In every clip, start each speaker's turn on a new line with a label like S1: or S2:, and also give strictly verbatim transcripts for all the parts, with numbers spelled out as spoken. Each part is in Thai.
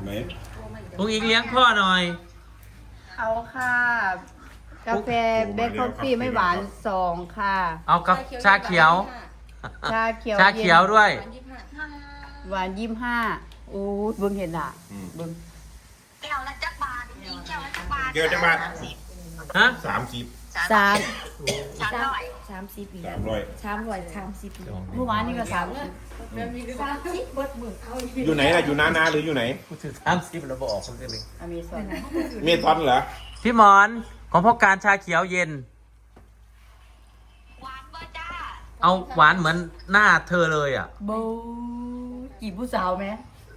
S1: ไหน
S2: ลุงอิงเลี้ยงพ่อหน่อย
S3: เอาค่ะ กาแฟเบคคอฟฟี่ไม่หวานสองค่ะ
S2: เอากับชาเขียว
S3: ชาเขียว
S2: ชาเขียวด้วย
S3: หวานยี่สิบห้าโอ้ยเบิ่งเห็นอ่ะเบิ่ง
S4: แก้วละจักบาทจริงๆแก้วละจักบาท
S1: เกี่ยวจะมา
S2: ฮะ
S1: สามสิบ
S3: สาม
S4: สามร้อย
S5: สามสิบปี
S1: สามร้อย
S5: สามร้อยสามสิบปี
S3: เมื่อวานนี่ก็สาม
S5: สามสิบเบิดหมื่นเอาอยู่
S1: อยู่ไหนล่ะอยู่นานาหรืออยู่ไหน
S2: กูถือสามสิบแล้วบอกออกคนเดียวเลย
S3: อเมซอน
S1: เมทอนเหรอ
S2: พี่หมอนของพ่อการชาเขียวเย็น
S4: หวานบ่จ้า
S2: เอาหวานเหมือนหน้าเธอเลยอ่ะ
S3: โบกี่ผู้สาวไหม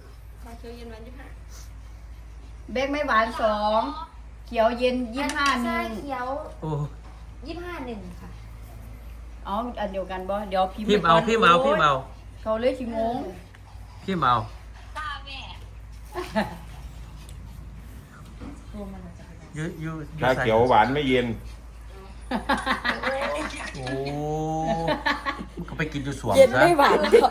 S3: เบคไม่หวานสองเขียวเย็นยี่สิบห้าหนึ่ง
S5: เขียว
S2: โอ้
S5: ยี่สิบห้าหนึ่งค่ะ
S3: อ๋ออันเดียวกันบ่เดี๋ยวพิมพ์
S2: พี่เอาพี่เอาพี่เอา
S3: เขาเลยชิงง
S2: พี่เอา
S4: ตาแม่
S2: ยูยูยู
S1: ชาเขียวหวานไม่เย็น
S2: โอ้มันก็ไปกินอยู่สวม
S5: เย็น
S2: ซะ
S5: ไม่หวาน
S4: ที่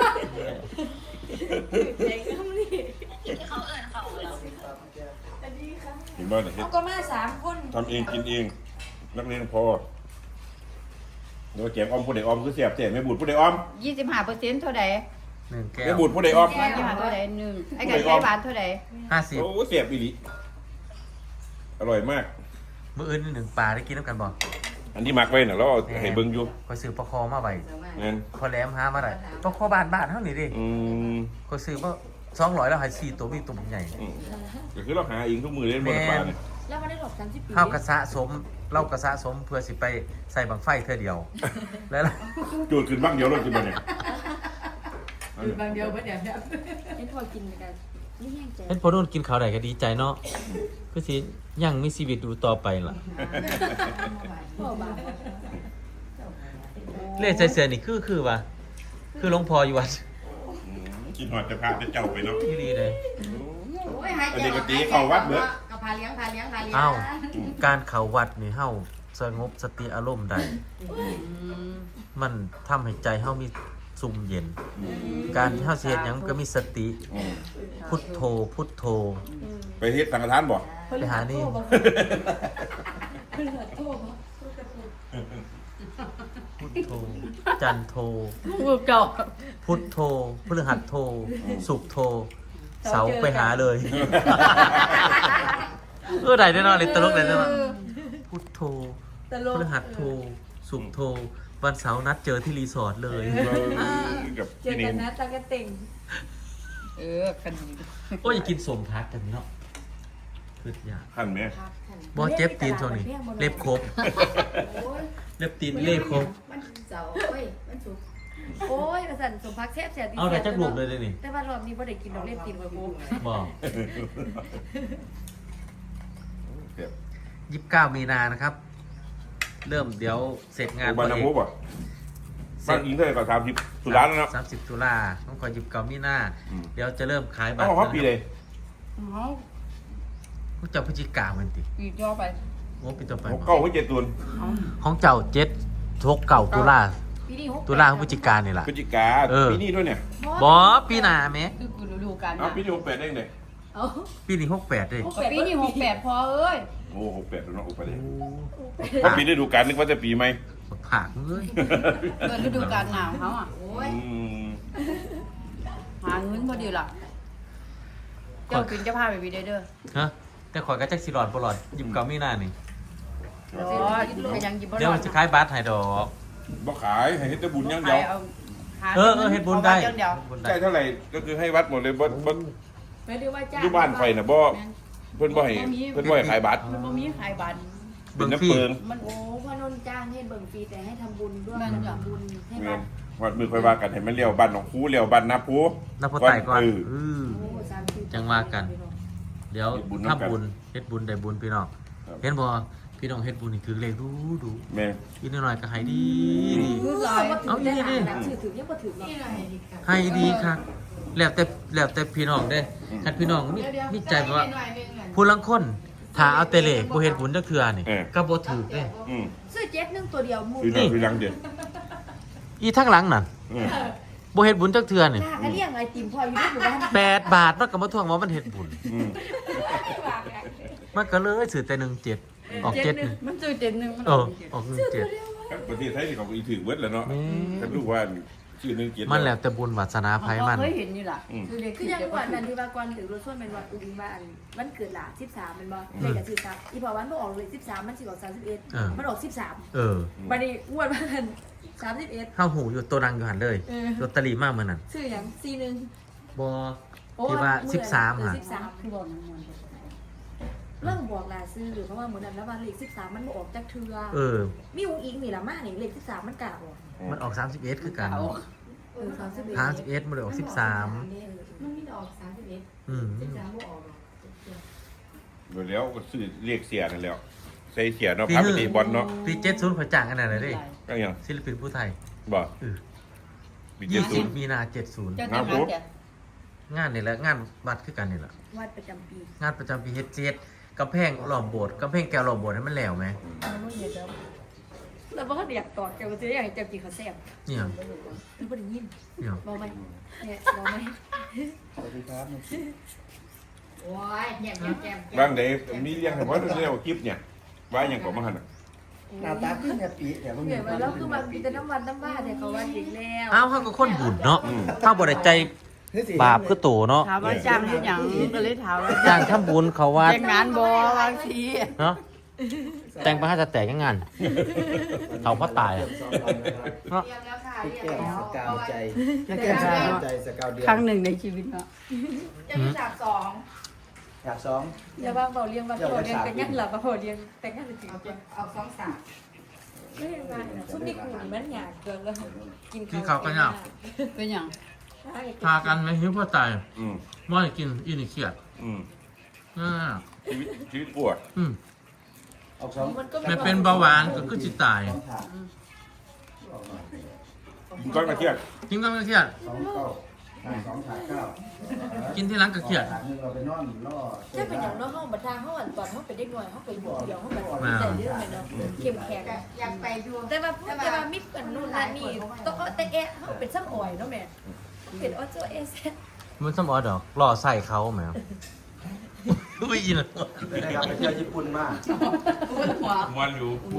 S4: เขาเอิ้นเขาแล้ว
S1: เห็นบ้างเนี่ย
S5: เอาก็มาสามคน
S1: ทำเองกินเอง นักเรียนพอเดี๋ยวแจกออมผู้ใดออมคือเสียบเสียไม่บูดผู้ใดออม
S3: ยี่สิบห้าเปอร์เซ็นต์เท่าไหร่
S2: หนึ่งแก้
S1: ไม่
S2: ว
S1: บูดผู้ใดออม
S3: ยี่สิบห้าเท่าไหร่หนึ่งไอ้ไก่ไก่หวานเท่าไหร่
S2: ห้าสิบ
S1: โอ้เสียบอีหลีอร่อยมาก
S2: มื้ออื่นนี่หนึ่งปลาได้กินน้ำกันบ่
S1: อันที่มักไว้น่ะแล้วเอาให้เบิ่งอยู่
S2: คอยซื้อปลาคอมาไว้
S1: งั้น
S2: พอแหลมหามาได้ปลาคอบานบานเท่านี้ดิ
S1: อืม
S2: คอยซื้อมาสองร้อยแล้วให้สี่ตัวมีตัวใหญ่
S1: อืมก็คือเราหาเองทุกมือเล่นบนปลาเนี่ย
S5: แล้วมาได้หลบสามสิบปี
S2: ข้าวกระสะสมเล่ากระสะสมเพื่อสิไปใส่บังไฟเธอเดียว แล้วล่ะ
S1: จูดขึ้นบ้างเดียวเรากินมาเนี่ย
S5: บางเดียวเบิดเดียวเนี่ยเห็นพอกินเหมือนกันนี่แห้งใจ
S2: เห็นพอนุ่นกินข้าวไหนก็ดีใจเนาะคือสิยังมีชีวิตดูต่อไปล่ะ
S5: พ่อบาง
S2: เล่ใจเสือนี่คือคือวะคือหลวงพ่ออยู่วัด
S1: กินหอดจะพาจะเจ้าไปเนาะ
S2: ที่ดีเลย
S1: อันนี้ก็ตีเข้าวัดเบิด
S5: กับพาเลี้ยงพาเลี้ยงพาเลี้ยง
S2: อ้าวการเข้าวัดนี่เฮาสงบสติอารมณ์ได้มันทำให้ใจเฮามีซุ่มเย็น การที่เฮาสิเฮ็ดหยังก็มีสติ
S1: อืม
S2: พุทโธพุทโธ
S1: ไปเฮ็ดสังฆทานบ่
S2: ไปหานี่พุทโธจันโธ
S3: มือเก่า
S2: พุทโธพฤหัสโธสุขโธเสาไปหาเลย เออได้แน่นอนเลยตลกเลยแน่นอนพุทโธพฤหัสโธสุขโธวันเสาร์นัดเจอที่รีสอร์ทเลย
S1: กับ
S5: เจอ
S1: พี่
S5: กั
S1: นิ
S5: น
S1: ง
S5: นะตากระเต่ง
S3: เออคันดี
S2: โอ้ยอย่ากินสมพักกันเนาะคือยาก
S1: ท่านไหม
S2: บ่เจ็บตีนช่วงนี้เล็บครบเล็บตีนเล็บครบ
S5: มันเสาร์โอ้ยมันสุกโอ้ยประสันสมพักแซ่บแซ่บ
S2: เอาแต่จักหลุมเลยเลยนี่
S5: แต่ว่ารอบนี้บ่ได้กินดอกเล็บตีนกับกู
S2: บอก
S1: เดี๋ยว
S2: ยี่สิบเก้ามีนานะครับ เริ่มเดี๋ยวเสร็จงาน
S1: บ้านน้ำพุบ่บ้านอิงเท่าไหร่ก็สามสิบสุดาแล้วเนาะ
S2: สามสิบตุลาต้องคอยหยิบเก้ามีนา
S1: อืม
S2: เดี๋ยวจะเริ่มขายบั
S1: เอา
S2: ตร
S1: ฮอปปีเลย
S3: อ๋อ
S2: พวกเจ้าพฤศจิกามันติ
S3: ปีย่อไป
S2: โอ้เป็นต่อไป
S1: หกเก้าหัวเจ็ดตุน
S2: ของเจ้าเจ็ดทกเก่าตุลา
S5: ปีนี้หก
S2: ตุลาพฤศจิกานี่แหละ
S1: พฤศจิกา
S2: เออ
S1: ปีนี้ด้วยเนี่ย
S2: บอปีหนาไหม
S3: คือกูดูกัน
S1: เอา
S3: นะ
S1: ปีนี้หกแปดได้ไง
S5: เอา
S2: ปีนี้หกแปดเลย
S3: ปีนี้หกแปดพอเอ้ย
S1: โอ้หกแปดแล้วเนาะหกแปดเลยเพราะปีได้ดูการนึกว่าจะปีไหม
S2: ผักเลย
S3: เกิดฤดูกาลหนาวเขาอ่ะ
S5: โอ้ย
S1: อืม
S3: หาเงินพอดีล่ะ เจ้ากินเจ้าพาไปวีเด้อ
S2: ฮะแต่ข่อยก็แจ็คสิหลอดบ่หลอดหยิบเก้ามีนานี่
S3: รอใครยังกินบ่
S2: เดี๋ยวมันจะขายบัตรให้ดอก
S1: บ่ขายให้เฮ็ดแต่บุญอย่างเดียว
S2: เออเออเฮ็ดบุญได้
S3: เดียว
S2: เฮ็ดบุญได้
S1: ใช่เท่าไหร่ก็คือให้วัดหมดเลยบ่บ่
S5: ไม่ได้ว่าจ้า
S1: อยู่บ้านไฟน่ะบ่เพิ่นบ่ให้เพิ่นบ่ให้ขายบัตร
S3: มันบ่มีขายบัตร
S1: เป็
S2: เบิ่
S1: น
S2: งฟรี
S1: น้ำเปิง
S3: มัน
S5: โอ้พอนนจ้างให้เบิ่งฟรีแต่ให้ทำบุญด้วย
S3: แม่นจ้ะ
S5: ทำบุญให้
S1: แม่
S5: วัด
S1: นวัดมือค่อยว่ากันให้มันเลี้ยวบ้านหนองคูเลี้ยวบ้านนาปู
S2: นับพ่อไต่ก่อน
S1: เออ
S2: เออ
S5: โอ้สามสิบ
S2: จังว่ากัน เดี๋ยว
S1: เฮ็ดบุญนำกัน
S2: ทำบุญเฮ็ดบุญได้บุญพี่น้อง
S1: ครับ
S2: เห็นบ่พี่น้องเฮ็ดบุญนี่ถือเลขดูดู
S1: แม่
S2: อีกนิดหน่อยก็ให้ดีดี
S3: คือลอย
S2: เอาอีนี่ดิ
S5: ถือถือยังบ่ถือหรอก
S2: ให้ดีครับแล้วแต่แล้วแต่พี่น้องเด้คันพี่น้องมีมีใจแบบว่าผู้ลังคนถ้าเอาแต่เลขบ่เฮ็ดบุญจักเทื่อนี่ก็บ่ถูกเด้
S1: อืม
S5: ซื้อเจ็ดหนึ่งตัวเดียวมู
S1: คือหน่อยคือหลังเดียว
S2: อีทั้งหลังนั่น
S1: อืม
S2: บ่เฮ็ดบุญจักเทื่อนี่
S5: ลากก็เลี้ยงไอติมพออยู่ที่หมู่บ้าน
S2: แปดบาทมันก็มาทวงว่ามันเฮ็ดบุญ
S1: อืม
S2: มันก็เลยซื้อแต่หนึ่งเจ็ดออกเจ็ดนี่
S3: มันซื้อเจ็ดหนึ่งมัน
S2: เอ
S3: ออ
S2: อก
S3: เจ็ด
S2: ออกหนึ่งเจ็ด
S1: ประเทศไทยนี่เขาก็อีถือเวิร์ดแล้วเนาะฉันรู้ว่าชื่อหนึงเกียรติ
S2: มันแล้วแต่บุญวาสนาภัยมัน
S3: เคยเห็นนี่ล่ะ
S1: อืม
S3: คือเด็ก
S5: คือยังวันนั้นที่ว่าก่อนถึงรถส่วนเป็นวันอุ้งว่าอันมันเกิดหลาสิบสามเป็นบ่เลขกับสิบสามอีพอวันบ่ออกเลยสิบสามมันสิออกสามสิบเอ็ดมันออกสิบสาม
S2: เออ
S5: บัดนี้งวดมันสามสิบเอ็ด
S2: เฮาหูอยู่ตัวดังอยู่หันเลย
S5: เออ
S2: ลอตเตอรี่มากเหมือนนั้น
S5: ชื่อหยังสี่หนึ่ง
S2: บ่ที่ว่าสิบสาม
S5: อ่ะ
S2: อ่ะ
S5: สิบสาม
S3: คือบอกน้ำมัน
S5: เริ่มบอกลาซื้อหรือเพราะว่าเหมือนนั้นแล้วว่าเลขสิบสามมันบ่ออกจากเทือ
S2: เออ
S5: มีอุ้งอิงนี่ล่ะมานี่เลขสิบสามมันกล้าออก
S2: มันออกสามสิบเอ็ดคือกัน
S5: เออสามสิบเอ็ด
S2: สามสิบเอ็ดมันเลยออกสิบสาม
S5: มันมีออกสามสิบเอ็ด
S2: อืม
S5: สิบสามบ่ออกหรอก
S1: โดยแล้วก็ซื้อเรียกเสียนั่นแล้วใส่เสียเนาะพาไปตีบอลเนาะ
S2: ปีเจ็ดศูนย์พอจ้างกันอะไรเด้
S1: ก็ยัง
S2: ศิลปินผู้ไทย
S1: บ่
S2: เออ
S1: มีเจ็
S2: ยี่
S1: ดศู
S2: สิ
S1: น
S2: บ
S1: ย์
S2: มีนาเจ็ดศูนย์
S3: เจ้าจะมาเดี๋ยว
S2: งานนี่แหละงานวัดคือกันนี่แหละ
S5: วัดประจำปี
S2: งานประจำปีเฮ็ดเจ็ดกำแพงหล่อมโบสถ์กำแพงแก้วหล่อมโบสถ์ให้มันแล้วไหม
S5: มันบ่เห็นแล้วแล้วบ่เรียกตอดจะมาซื้ออย่างจะกินข้าวแซ่บ
S2: เนี่ย
S5: หรือบ่ได้ยิน
S2: เนี่ย
S5: บ่ไหมเนี่ยบ่ไหม
S3: โอ้ยแยมแยมแยม
S1: บางเดย์มีเลี้ยงให้ว่าเรียกว่าคลิปเนี่ยว่าอย่างของมาหันน่ะ
S6: หน้าตาขึ้นเนี่ยปีแต่ว่ามี
S5: เนี่ยมาแล้วคือมันมีแต่น้ำวันน้ำบ้านเนี่ยเขาว่าอีกแล้ว
S2: อ้าวเขาก็คนบุญเนาะถ้าบ่ได้ใจบาปคือโตเนาะ
S3: ถามว่าจ้างที่หยังก็เลยถามว่า
S2: จ้างทำบุญเขาวัด
S3: แต่งงานบ่บางที
S2: เนาะแต่งไปให้จะแต่งงาน เขาพ่อตายอะเนาะ
S5: เรียงแล้วค่ะ
S6: พี่
S5: เรียง
S6: แก้ม
S5: แล้ว
S6: สกาวใจพี่แก้มสกาวใจสกาวเดียว
S3: ครั้งหนึ่งในชีวิตเนาะ
S5: จะมีฉากสอง
S6: อยากสอง
S5: อย่าว่าเบาเรียงว่าเบาเรียงแต่งงานหลับเบาเรียงแต่งงานจริงจัง
S3: เอาสองสาม
S5: ไม่เห็นว่าซุปนี่กูมันหยาดเกินแล้วกิน
S2: กินข้าวกันยัง
S3: เป็นหยัง
S2: พากันไม่หิวพ่อตาย
S1: อืม
S2: ม่อยกินอีนี่เครียด
S1: อืม
S2: อ่า
S1: ชีวิตชีวิตปวด
S2: อืม
S6: ออกสอง
S5: มันก็
S2: ไม่เป็นเบาหวานก็คือจิตตาย
S6: สองถาด
S1: กินก้อนมาเที่ยง
S2: กินก็ไม่เครียด
S6: สองเก้าสองถาดเก้า
S2: กินที่ร้านก็เครียด
S6: ถาดหนึงเราไปนอนล่อ
S5: ถ้าเป็นอย่างน้อยห้องบัตรห้องอันตอนห้องเป็นเด็กน้อยห้องเป็นอยู่เดียวห้องแบบแต่เรื่องเนาะเข้มแข็ง
S3: อยากไปดู
S5: แต่ว่าแต่ว่ามิดกันนู่นนั่นนี่ต้องแต่แอะห้องเป็นซ้ำอ่อยเนาะแม่เป็นออโจเอส
S2: มันสมอดอกรอใส่เขาแมวอุ้ยอิน
S6: ได้ครับไปเที่ยวญี่ปุ่นมา
S1: มวนอยู่
S6: มวน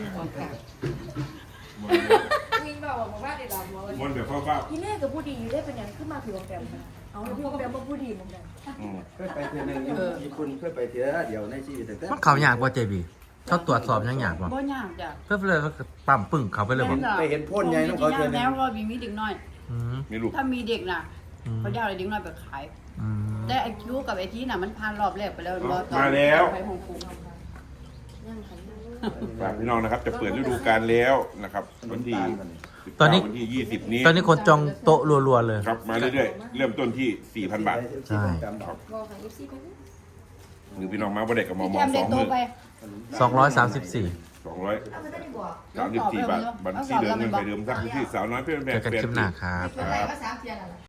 S5: วิ่งมาบอกว่าได้รับ
S1: มวนแบบฟ้า
S5: ที่แรกกับผู้ดีได้เป็นอย่างขึ้นมาผิวแปมเอาผิวแปมมาผู้ดีเหมือนกัน
S1: ๆอืม
S6: เคยไปเที่ยวหนึงอยู่ญี่ปุ่นเคยไปเที่ยวเดียวในชีวิตแต่
S2: มันเขาอยากว่าเจบีเขาตรวจสอบยังอยากว่า
S3: บ่ยากจ้ะ
S2: เพื่อเลยเขาปั๊มปึ้งเขาไปเลยบอก
S6: ไปเห็นพ่นใหญ่น้องเขาเที่ยวหนึ
S3: แล้
S6: ง
S3: วก็มีมีเด็กน้อย
S2: อืม
S1: มีลูก
S3: ถ้ามีเด็กน่ะ
S2: อืม
S3: เขาจะเอาเด็กน้อยไปขาย
S2: อืม
S3: แต่ไอ้คิวกับไอ้ที่น่ะมันผ่านรอบแรกไปแล้วรอตอน
S1: มาแล้ว
S3: ไปฮ่องกง
S5: ยังขัน
S1: ฝากพี่น้องนะครับ จะเปิดฤดูกาลแล้วนะครับวันที่สิบ
S2: ตอนนี้
S1: เก้าวันที่ยี่สิบนี้
S2: ตอนนี้คนจองโต๊ะรัวๆเลย
S1: ครับมาเรื่อยๆเริ่มต้นที่สี่พันบาท
S2: ใช่
S5: ก็ขันเอฟซีไปนี่
S1: หรือพี่น้องมาบ่ได้กับมอม
S3: แจ
S1: อ
S3: ม
S1: ส
S3: เด็
S1: อก ง
S3: โต
S1: หมื่น
S3: ไป
S2: สองร้อยสามสิบสี่
S1: สองร้อย
S5: เอาไม่ได้บอก
S1: สามสิบสี่บาทบัญชีเดิมเงินไปเดิมสักที่สาวน้อยเพื่อนแบ
S2: เจ
S1: บ
S2: อกัน
S1: เปลี่ย
S2: คลิปหน้าครับ
S3: ไปก็สามเทียนแล้ว